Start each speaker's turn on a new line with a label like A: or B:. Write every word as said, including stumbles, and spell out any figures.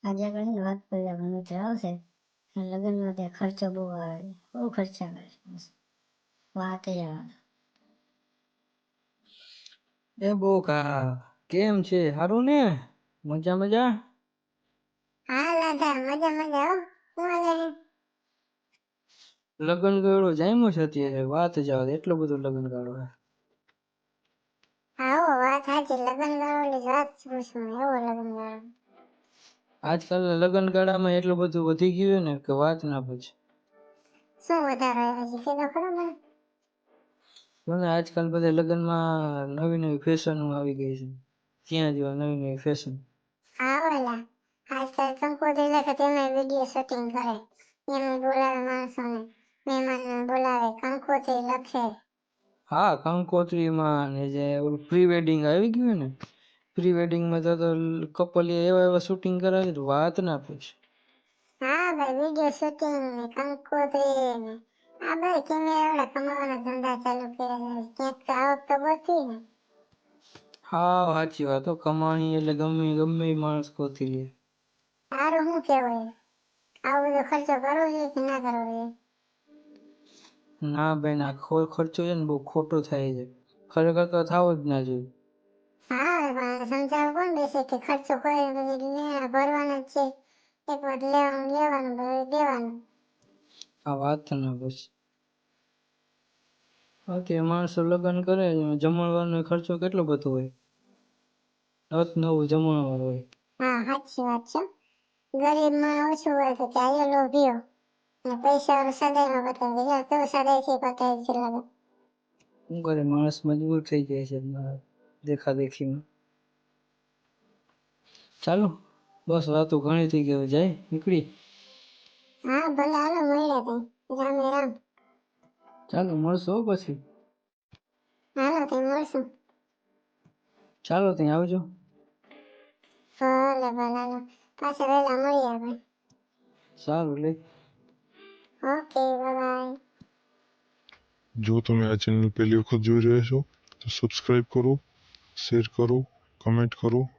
A: આજે ઘણી વાત કર્યા ઘણું આવશે લગ્નમાં ત્યાં ખર્ચો બહુ આવે બહુ ખર્ચા કરે વાત જ આવે
B: એ બહુ કા કેમ છે સારું ને મજા મજા
A: હા લાધા મજા મજા હો હું હાલે
B: લગ્ન ગાળો જામ્યો છે અત્યારે વાત જ આવે એટલું બધું લગ્ન ગાળો
A: હા હો વાત સાચી લગ્ન ગાળો જ વાત પૂછું એવો લગ્ન ગાળો
B: આજકાલ લગ્ન ગાળામાં એટલું બધું વધી ગયું ને કે વાત ના પૂછ
A: શું વધારે હજી કીધો ખરો મને
B: મને આજકાલ બધા લગ્નમાં નવી નવી ફેશનો આવી ગઈ છે ક્યાં જેવા નવી નવી ફેશન
A: હા ઓલા આજકાલ કંકોત્રી લખે તેમાં વિડીયો શૂટિંગ કરે એમાં બોલાવે માણસોને મહેમાનને બોલાવે કંકોત્રી લખે
B: હા કંકોત્રીમાં ને જે પ્રી વેડિંગ આવી ગયું ને પ્રી વેડિંગમાં તો કપલ એવા એવા શૂટિંગ કરાવે તો વાત ના પૂછ
A: હા ભાઈ વિડીયો શૂટિંગ ને કંકોત્રી ને આ ભાઈ કેમેરા કમાવાના ધંધા ચાલુ કર્યા ક્યાંક તો આવક તો બચી ને
B: હા સાચી વાત હો કમાણી એટલે ગમે ગમે ઈ માણસ ગોતી લે
A: તારું શું કેવાય આવો બધો ખર્ચો કરવો જોઈએ કે ના કરવો જોઈએ
B: ના બેન આ ખો- ખર્ચો છે ને બહુ ખોટો થાય છે ખરેખર તો થવો જ ના જોઈએ
A: હા પણ સમજાવવા કોણ બેસે કે ખર્ચો કોઈ લેણા ભરવાનો જ છે એક વાર લેવાનું લેવાનું પછી દેવાનું
B: આ વાત ના બસ બાકી માણસો લગ્ન કરે જમણવારનો ખર્ચો કેટલો બધો હોય નત નવું જમણવાર હોય
A: હા સાચી વાત છે ગરીબ માં ઓછું હોય તો ચાલો લોભીઓ અને પૈસા વાળો સદાય નો પતાવે યાર તો સદાય થી પતાવે છે લગન
B: શું કરે માણસ મજબૂર થઈ જાય છે દેખા દેખીમાં ચાલો બસ વાતો ઘણી થઈ ગઈ જાય નીકળી
A: હા ભલે હાલો મળ્યા તઈ રામે રામ
B: ચાલો મળશો હો પછી
A: હાલો તઈ મળશું
B: ચાલો ત્યાં આવજો
A: ભલે ભલે હાલો પાછા વહેલા મળીએ આપણે
B: સારું લે
A: ઓકે બાય
C: જો તમે આ ચેનલ પહેલી વખત જોઈ રહ્યા છો તો સબસ્ક્રાઇબ કરો, શેર કરો, કમેન્ટ કરો